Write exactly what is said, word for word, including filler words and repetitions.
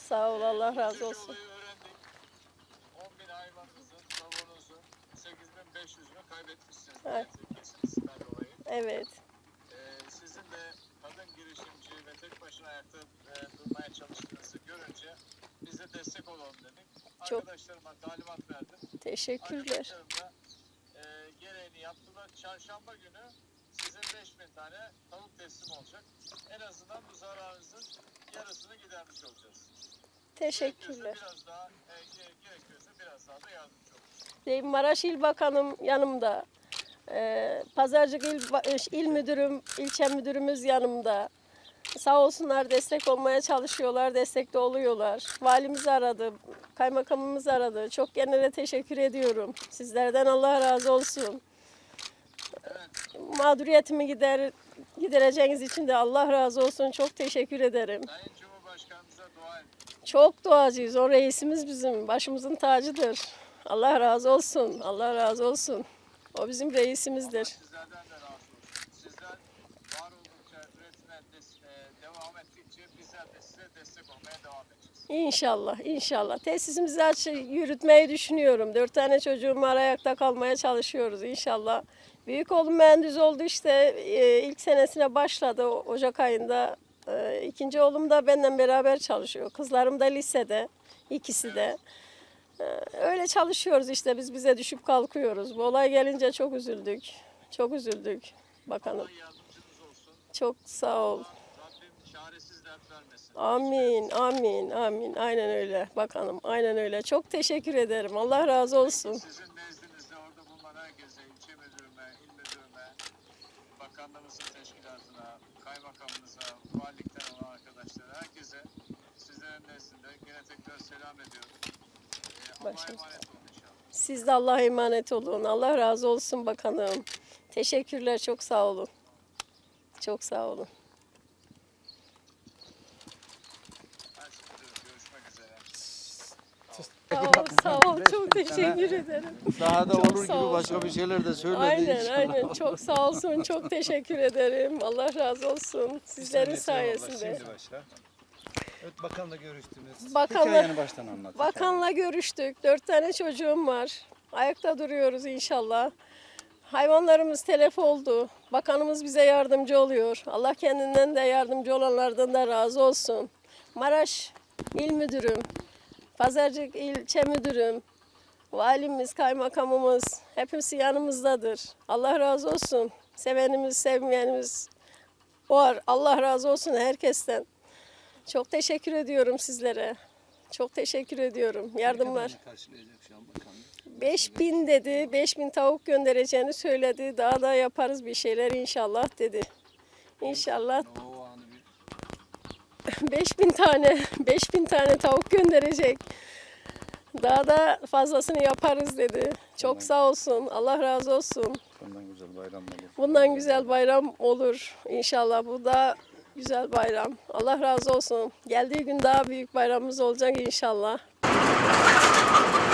Sağ ol, Allah razı Üzücü olsun. olayı öğrendik. on bin hayvanınızın, tavuğunuzun sekiz bin beş yüzünü kaybetmişsiniz. Evet. Kesinlikle dolayı. Evet. Ee, sizin de kadın girişimci ve tek başına ayakta e, durmaya çalıştığınızı görünce biz de destek olalım dedik. Çok Arkadaşlarıma talimat verdim. teşekkürler. Arkadaşlarım da e, gereğini yaptılar. Çarşamba günü sizin beş bin tane tavuk teslim olacak. En azından bu zararınızın yarısını gidermiş olacağız. Teşekkürler. Gerekiyorsa biraz daha, e, gerekiyorsa biraz daha da yardımcı olacağız. Deyim, Maraş İl Bakanım yanımda. Ee, Pazarcık İl, Ba- İl Müdürüm, ilçe müdürümüz yanımda. Sağ olsunlar, destek olmaya çalışıyorlar, destekte oluyorlar. Valimiz aradı, kaymakamımız aradı. Çok genele teşekkür ediyorum. Sizlerden Allah razı olsun. Mağduriyetimi gider, gidereceğiniz için de Allah razı olsun. Çok teşekkür ederim. Sayın Cumhurbaşkanımıza dua edin. Çok duacıyız. O reisimiz bizim. Başımızın tacıdır. Allah razı olsun. Allah razı olsun. O bizim reisimizdir. Sizlerden de razı olsun. Sizler var oldukça, üretime des- e, devam ettikçe bizler de size destek olmaya devam edeceğiz. İnşallah, inşallah. Tesisimizi aç, yürütmeyi düşünüyorum. Dört tane çocuğum var, ayakta kalmaya çalışıyoruz inşallah. Büyük oğlum mühendis oldu işte, e, ilk senesine başladı o- Ocak ayında. E, İkinci oğlum da benden beraber çalışıyor. Kızlarım da lisede, ikisi de. E, Öyle çalışıyoruz işte, biz bize düşüp kalkıyoruz. Bu olay gelince çok üzüldük, çok üzüldük bakanım. Allah yardımcınız olsun. Çok sağ ol. Rabbim çaresiz dert vermesin. Amin, amin, amin. Aynen öyle bakanım, aynen öyle. Çok teşekkür ederim. Allah razı olsun. Sizin nezdinizde orada bulunan herkese, ilçe müdürüme, il müdürüme, bakanlığımızın teşkilatına, kaymakamımıza, valilikten olan arkadaşlara, herkese sizlerin nezdinde yine tekrar selam ediyorum. Ee, Allah'a Başımız- emanet olun inşallah. Siz de Allah'a emanet olun. Allah razı olsun bakanım. Teşekkürler, çok sağ olun. Çok sağ olun. Her şeyde görüşmek üzere. Sağ ol, sağ ol. Çok teşekkür ederim. Daha da Çok olur sağ gibi ol. başka bir şeyler de söyledi. Aynen, inşallah. aynen. Çok sağ olsun. Çok teşekkür ederim. Allah razı olsun. Sizlerin sayesinde. Şimdi başla. Evet, bakanla görüştünüz. Bakanla- Hikayeni baştan anlat. Bakanla görüştük. Dört tane çocuğum var. Ayakta duruyoruz inşallah. Hayvanlarımız telef oldu. Bakanımız bize yardımcı oluyor. Allah kendinden de yardımcı olanlardan da razı olsun. Maraş İl Müdürüm, Pazarcık İlçe Müdürüm, valimiz, kaymakamımız hepsi yanımızdadır. Allah razı olsun. Sevenimiz, sevmeyenimiz var. Allah razı olsun herkesten. Çok teşekkür ediyorum sizlere. Çok teşekkür ediyorum. Yardımlar. Karşılayacak şu an bakan. beş bin dedi. beş bin tavuk göndereceğini söyledi. Daha da yaparız bir şeyler inşallah dedi. İnşallah O anı bir beş bin tane beş bin tane tavuk gönderecek. Daha da fazlasını yaparız dedi. Çok sağ olsun. Allah razı olsun. bundan güzel bayram olur. Bundan güzel bayram olur. İnşallah bu da güzel bayram. Allah razı olsun. Geldiği gün daha büyük bayramımız olacak inşallah.